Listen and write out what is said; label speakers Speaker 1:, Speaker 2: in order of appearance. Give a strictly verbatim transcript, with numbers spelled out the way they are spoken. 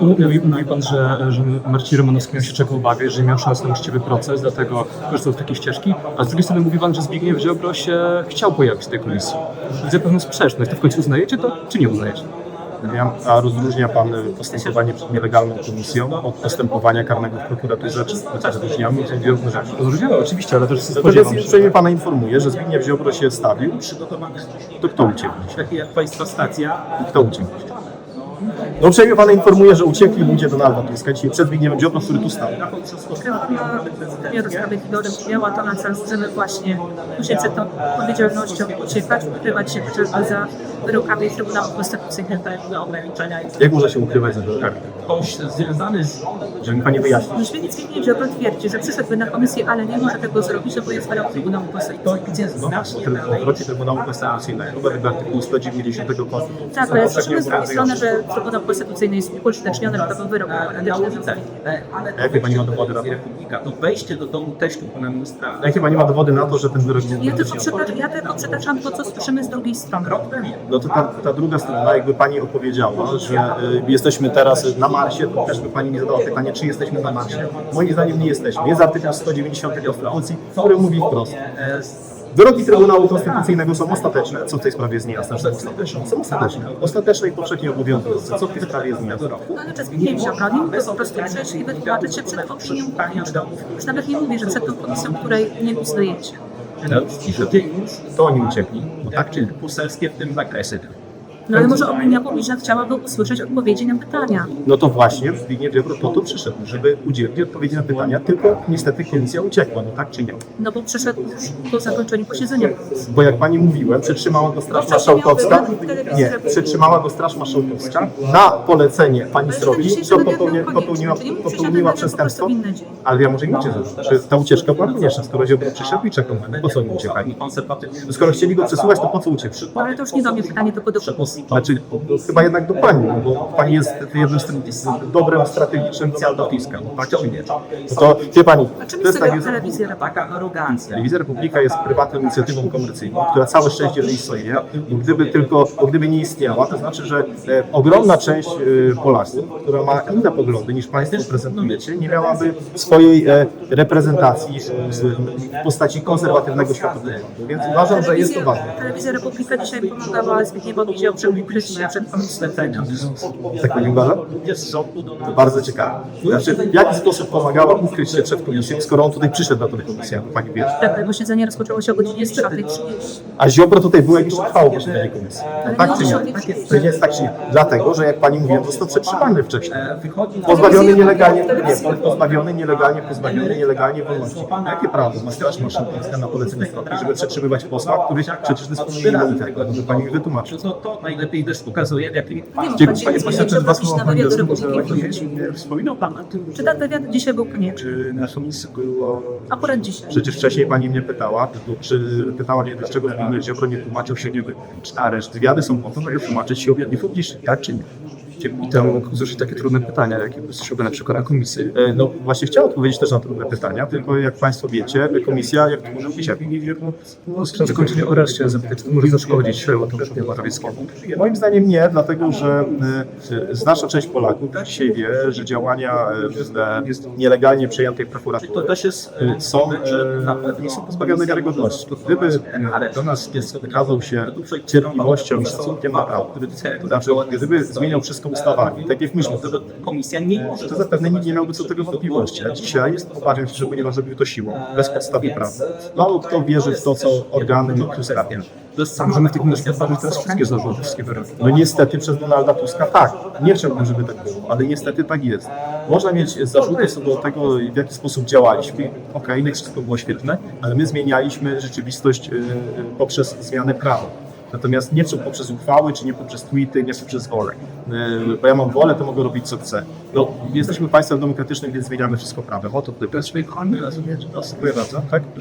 Speaker 1: Mówi, mówi Pan, że, że Marcin Romanowski miał się czego obawiać, że nie miał szans na uczciwy proces, dlatego korzystał z takiej ścieżki, a z drugiej strony mówi Pan, że Zbigniew Ziobro się chciał pojawić w tej komisji. Widzę pewną sprzeczność. To w końcu uznajecie to, czy nie uznajecie?
Speaker 2: A rozróżnia Pan postępowanie przed nielegalną komisją od postępowania karnego w prokuraturze, czy rozróżniamy te różne rzeczy?
Speaker 1: Rozróżniamy oczywiście, ale też
Speaker 2: Natomiast
Speaker 1: spodziewam się.
Speaker 2: uprzejmie Pana informuję, że Zbigniew Ziobro się stawił,
Speaker 3: Przygotowany
Speaker 2: to kto uciekł?
Speaker 3: taki jak Państwa stacja.
Speaker 2: Kto uciekł? No uprzejmie Pana informuję, że uciekli ludzie Donalda Tuska dzisiaj przed Zbigniewem Ziobro, który tu stał.
Speaker 4: Wymiaru Sprawiedliwości miała to na celu, żeby właśnie uciec przed tą odpowiedzialnością, uciekać, ukrywać się chociażby za wyrokami Trybunału Konstytucyjnego do ograniczenia.
Speaker 2: Jak można się ukrywać za wyrokami?
Speaker 3: Ktoś związany z...
Speaker 2: Żeby mi Pani wyjaśnić.
Speaker 4: Rzecznik Zbigniew Ziobro twierdzi, że przyszedłby na komisję, ale nie może tego zrobić, bo jest wyrok Trybunału Konstytucyjnego.
Speaker 3: Gdzie znacznie
Speaker 2: W obrocie Trybunału Konstytucyjnego według artykułu sto dziewięćdziesiątego Konstytucji.
Speaker 4: Tak, ale słyszymy z drugiej strony, że Trybunał Konstytucyjny jest upolityczniony, bo to był wyrok demokratyczny.
Speaker 3: ale
Speaker 2: A jakie Pani ma dowody na to?
Speaker 3: Republika, to wejście do domu teściu pana ministra.
Speaker 2: A jakie Pani ma dowody na to, że ten wyrok nie
Speaker 4: Ja tylko,
Speaker 2: jest
Speaker 4: przytaczam, ja tylko przytaczam to, co słyszymy z drugiej strony.
Speaker 2: No to ta, ta druga strona, jakby Pani opowiedziała, że y, jesteśmy teraz na Marsie, to też by Pani mi zadała pytanie, czy jesteśmy na Marsie. Moim zdaniem nie jesteśmy. Jest artykuł sto dziewięćdziesiąty Konstytucji, który mówi wprost. Wyroki Trybunału Konstytucyjnego są ostateczne. Co w tej sprawie jest niejasne? Są ostateczne. Są ostateczne. Ostateczne i powszechnie obowiązujące. Co w tej sprawie jest niejasne?
Speaker 4: No ale czy Zbigniew Ziobro nie mógł po prostu przyjść i wytłumaczyć się przed opinią publiczną. Już nawet nie mówi, że przed tą komisją, której nie uznajecie.
Speaker 3: I że ty już
Speaker 2: To oni uciekli.
Speaker 3: no tak, czy poselskie w tym zakresie.
Speaker 4: No ale może opinia publiczna chciałaby usłyszeć odpowiedzi na pytania.
Speaker 2: No to właśnie Zbigniew Ziobro po to przyszedł, żeby udzielić odpowiedzi na pytania, tylko niestety komisja uciekła, no tak czy nie?
Speaker 4: No bo przyszedł już po zakończeniu posiedzenia.
Speaker 2: Bo jak Pani mówiłem, przetrzymała go Straż Marszałkowska, nie, przetrzymała go Straż Marszałkowska na polecenie Pani Sroki, co popełni, popełniła, popełniła przestępstwo, ale ja może inaczej zrobić, że ta ucieczka była konieczna, skoro Ziobro przyszedł i czekał na mnie, po co oni uciekali? Skoro chcieli go przesłuchać, to po co uciekł?
Speaker 4: No ale to już nie do mnie pytanie, to do komisji.
Speaker 2: Znaczy, chyba jednak do Pani, no bo Pani jest jednym z, z dobrym strategicznym Donalda. Tak czy nie? No to wie Pani,
Speaker 4: A czym
Speaker 2: to
Speaker 4: jest
Speaker 2: jest tak,
Speaker 4: tego
Speaker 2: jest,
Speaker 4: telewizja?
Speaker 3: Taka arogancja.
Speaker 2: Telewizja Republika jest prywatną inicjatywą komercyjną, która całe szczęście, że istnieje. I gdyby tylko, bo gdyby nie istniała, to znaczy, że e, ogromna część e, Polaków, która ma inne poglądy niż Państwo prezentujecie, nie miałaby swojej e, reprezentacji e, w postaci konserwatywnego światopoglądu. Więc uważam, że jest to ważne.
Speaker 4: Telewizja Republika dzisiaj pomagała Zbigniewowi Ziobro ukryć się przed komisją.
Speaker 2: Tak Pani uważa? To bardzo ciekawe. Znaczy, w jaki sposób pomagała ukryć się przed komisją, skoro on tutaj przyszedł na tę komisję, jak Pani wie?
Speaker 4: Tak, posiedzenie rozpoczęło się o godzinie czwartej trzydzieści.
Speaker 2: A Ziobro tutaj był, jak już trwało posiedzenie komisji.
Speaker 4: Ale
Speaker 2: Tak
Speaker 4: nie
Speaker 2: czy nie?
Speaker 4: o dziesiątej.
Speaker 2: To nie jest tak czy nie? Dlatego, że jak Pani mówiłem, został przetrzymany wcześniej.
Speaker 3: Wychodzi
Speaker 2: Pozbawiony nielegalnie, nie, pozbawiony nielegalnie, pozbawiony nielegalnie wolności. Jakie prawo ma Straż Marszałkowska na polecenie Sroki, żeby przetrzymywać posła, który przecież dysponuje immunitetem? Żeby Pani mi wytłumaczył.
Speaker 3: to, to najlepiej też pokazuje, jak
Speaker 4: Nie
Speaker 2: Dziękuję.
Speaker 4: mógł pan się
Speaker 2: Jeszcze dwa
Speaker 4: zrobić
Speaker 2: słowa
Speaker 4: na
Speaker 2: Pani
Speaker 4: wywiad do
Speaker 2: do słowa.
Speaker 4: Republiki.
Speaker 3: wspominał Pan o tym,
Speaker 4: Czy ten wywiad dzisiaj był konieczny?
Speaker 3: że na komisji było...
Speaker 4: Akurat dzisiaj.
Speaker 2: Przecież wcześniej Pani mnie pytała, czy pytała mnie, dlaczego Zbigniew Ziobro nie tłumaczył się, nie wiem, czy areszt. Wywiady są po to, żeby tłumaczyć się objawie publicznych, tak czy nie?
Speaker 1: I tam mógł usłyszeć takie trudne pytania, jakie usłyszałby na przykład na komisji.
Speaker 2: E, No właśnie chciałem odpowiedzieć też na trudne pytania, tylko jak Państwo wiecie, komisja, jak to może być, jak
Speaker 1: No, z zakończenia o areszcie zapytać, czy to może zaszkodzić Mateuszowi Morawieckiemu.
Speaker 2: Moim zdaniem nie, dlatego że e, znaczna część Polaków dzisiaj wie, że działania e, nielegalnie przejętej prokuratury
Speaker 3: To też jest...
Speaker 2: e, są, e, nie są pozbawione wiarygodności. To gdyby e, do nas wykazał się cierpliwością i szacunkiem na prawo, to znaczy gdyby zmieniał wszystko ustawami, tak jak myśmy, to,
Speaker 3: Komisja nie może...
Speaker 2: to zapewne nikt nie miałby co do tego wątpliwości. A dzisiaj jest, obawiam się, że ponieważ zrobił to siłą, bez podstawy prawnej. Mało kto wierzy w to, co organy robią.
Speaker 1: Możemy w tej komisji podważyć teraz wszystkie zarzuty, wszystkie wyroki.
Speaker 2: No niestety przez Donalda Tuska tak. Nie chciałbym, żeby tak było, ale niestety tak jest. Można mieć zarzuty co do tego, w jaki sposób działaliśmy. Okej, okay, wszystko było świetne, ale my zmienialiśmy rzeczywistość yy, poprzez zmianę prawa. Natomiast nie poprzez uchwały, czy nie poprzez tweety, nie poprzez wolę. Yy, bo ja mam wolę, to mogę robić co chcę. No, jesteśmy państwem demokratycznym, więc zmieniamy wszystko prawem. O to tutaj. Dziękuję bardzo. Tak?